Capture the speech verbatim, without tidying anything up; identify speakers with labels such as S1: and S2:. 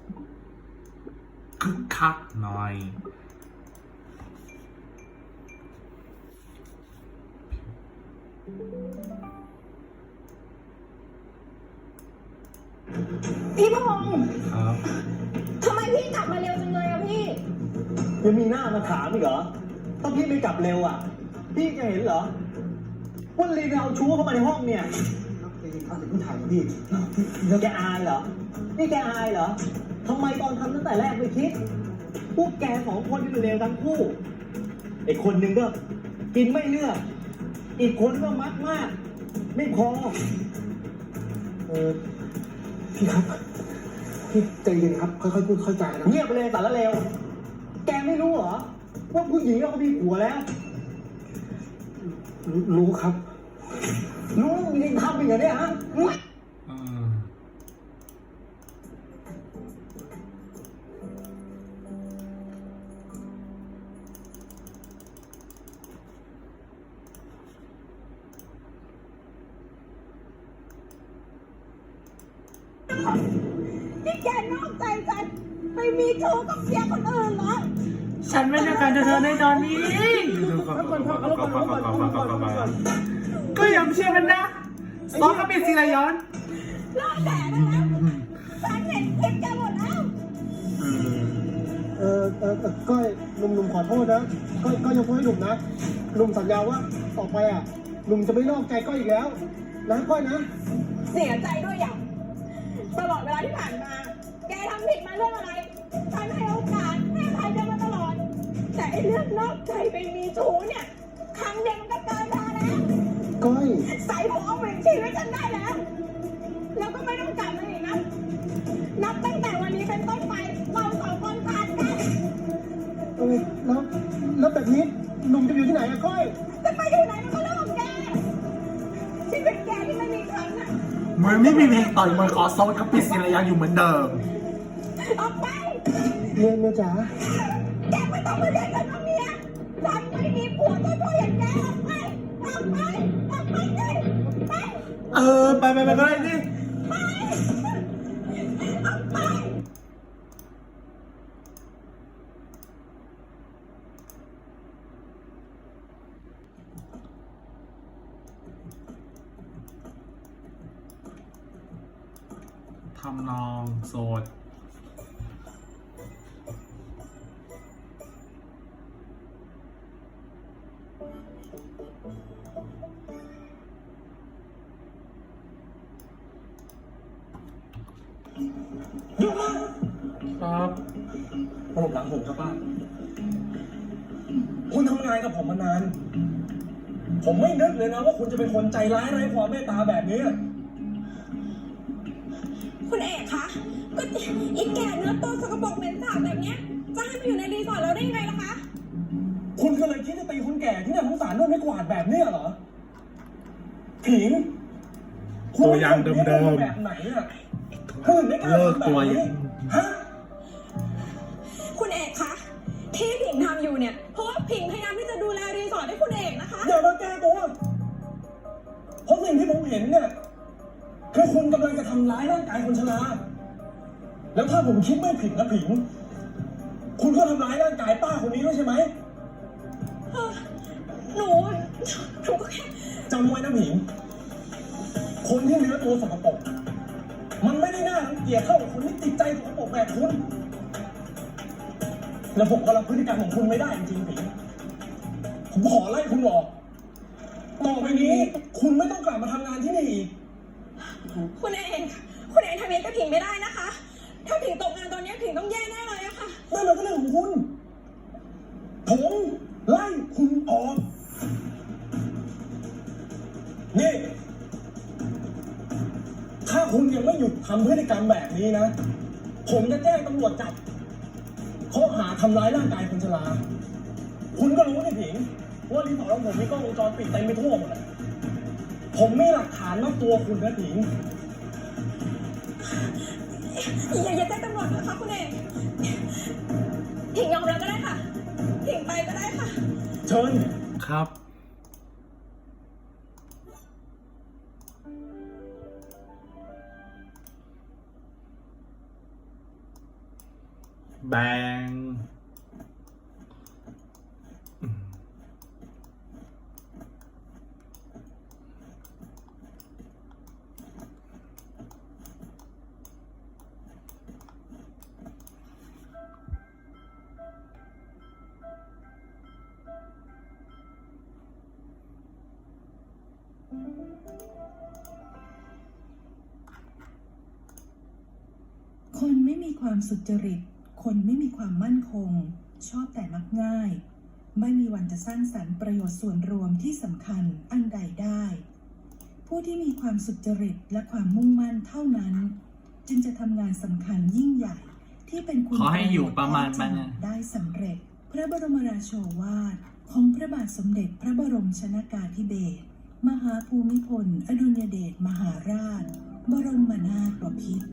S1: คึกคักหน่อย
S2: พี่พงษ์
S1: ครับ
S2: ทำไมพี่กลับมาเร็วจังเลยอะพี่
S3: ยังมีหน้ามาถามอีกเหรอถ้าพี่ไม่กลับเร็วอ่ะพี่จะเห็นเหรอว่าลีนเอาชู้เข้ามาในห้องเนี่ยเอาแต่ผู้ถ่ายมาพี่แกอายเหรอนี่แกอายเหรอทำไมตอนทำตั้งแต่แรกไม่คิดพวกแกสองคนอยู่เลวทั้งคู่ไอ้คนหนึ่งก็กินไม่เลือกอีกคนก็มักมากไม่พอเออพี่ครับพี่ใจเย็นครับค่อยๆพูดค่อยๆจานะเงียบไปเลยสารเลวแกไม่รู้เหรอว่าผู้หญิงเขามีผัวแล้ว รู้ครับ รู้ยังทำอีกเหรอเนี่ยฮะ
S1: อืม
S2: นี่แกนอกใจฉันไปมีชู้กับเสียคนอื่นเหรอ
S1: ฉันไม่ต้องการจะเธอในตอนนี้ก็ยังเชื่อกันนะซองก็เป็นศิลย้อน
S2: รอดแต่ได้แล้วฉันเห็นคลิปแกหมดแล้ว
S3: เออเออก้อยหนุ่มๆขอโทษนะก้อยก้อยยกโทษให้หนุ่มนะหนุ่มสัญญาว่าต่อไปอ่ะหนุ่มจะไม่นอกใจก้อยอีกแล้วนะก้อยนะ
S2: เสียใจด้วยอย่างตลอดเวลาที่ผ่านมา แกทำผิดมาเรื่องอะไร ฉันให้โอกาสให้อภัยแกมาตลอด แต่ไอ้เรื่องนอกใจไปมีชู้เนี่ย ครั้งเดียวมันก็เกินพอแล้ว
S3: ก้อย
S2: ใส่หัวเอาเป็นชีวิตฉันได้แล้ว แล้วก็ไม่ต้องกลับมาอีกนะ นับตั้งแต่วันนี้เป็นต้นไป เราสองคนขาดกัน
S3: เออแล้วแล้วแบบนี้หนุ่มจะอยู่ที่ไหนอะก้อย
S2: จะไปอยู่ไหนมันก็เรื่องของแกชีวิตแกที่ไม่มีครั้งอะ
S1: เหมือนไม่มีเพลงต่อยมวยขอโซนกับปิดศิลยาอยู่เหมือนเดิม
S2: ออกไป
S3: เมียเมียจ๋า
S2: แกไม่ต้องมาเรียกฉันว่าเมียฉันไม่มีผัวตัวตัวอย่างแกออกไปออกไปออกไปเลยไป
S1: เออไปไปไปไปดิ
S2: ไปออกไป
S1: ทำนองโสด
S3: หยุดนะ
S1: ครับ
S3: ระบบหลังผมครับป้าคุณทำงานกับผมมานานผมไม่นึกเลยนะว่าคุณจะเป็นคนใจร้ายไร้ความเมตตาแบบนี้
S2: คุณเอกคะก็อีกแก่เนื้อตัวสกปรกเหม็นสาบแบบเนี้ยจะให้มาอยู่ในรีสอร์ทเราได้ยังไงล่ะคะ
S3: คุณก็เลยคิดจะตีคนแก่ที่น่าสงสารด้วยไม่กวาดแบบนี้เหรอผิง
S1: ตัวอย่างเดิมๆ
S3: แบบไหนอ่ะคุณไม่กล้าทำแบบนี้ฮะ
S2: คุณเอกคะที่ผิงทำอยู่เนี่ยเพราะว่าผิงพยายามที่จะดูแลรีสอร์ทให้คุณเอกนะคะ
S3: อย่ามาแก้ตัวเพราะสิ่งที่ผมเห็นเนี่ยคือคุณกำลังจะทำร้ายร่างกายคนชราแล้วถ้าผมคิดไม่ผิดนะผิงคุณก็ทำร้ายร่างกายป้าคนนี้ด้วยใช่ไหม
S2: หนูหนูก็แค่
S3: จำไว้นะผิงคนที่เนื้อตัวสกปรกมันไม่ได้น่ารังเกียจเท่ากับคนที่ติดใจสกปรกแบบคุณแล้วผมก็รับพฤติกรรมของคุณไม่ได้จริงๆผิงผมขอไล่คุณออกต่อไปนี้คุณไม่ต้องกลับมาทำงานที่นี่อีก
S2: คุณเอกคุณเอกทำเองก็ผิงไม่ได้นะคะ ถ้าผิงตกงานตอนนี้ผิงต้องแย่แน่เลยอะค่ะ
S3: นั่นมันก็เรื่องของคุณผมไล่คุณออกนี่ถ้าคุณยังไม่หยุดทำพฤติกรรมแบบนี้นะผมจะแจ้งตำรวจจับข้อหาทำร้ายร่างกายคนชราคุณก็รู้นี่ผิงว่ารีสอร์ทของผมมีกล้องวงจรปิดเต็มไปทั่วหมดเลยผมมีหลักฐานมัดตัวคุณนะผิง
S2: อย่าอย่าแจ้งตำรวจนะคะคุณเอกผิงยอมรับก็ได้ค่ะผิงไปก็ได้ค่ะ
S3: เชิญ
S1: ครับแบงอืม
S4: คนไม่มีความสุจริต คนไม่มีความมั่นคง ชอบแต่มักง่าย ไม่มีวันจะสร้างสรรค์ประโยชน์ส่วนรวมที่สำคัญอันใดได้ ผู้ที่มีความสุจริตและความมุ่งมั่นเท่านั้น จึงจะทำงานสำคัญยิ่งใหญ่ที่เป็นคุณ
S1: ขอให้อยู่ประมาณมัน
S4: ได้สำเร็จ พระบรมราโชวาทของพระบาทสมเด็จพระบรมชนกาธิเบศรมหาภูมิพลอดุลยเดชมหาราช บรมนาถบพิตร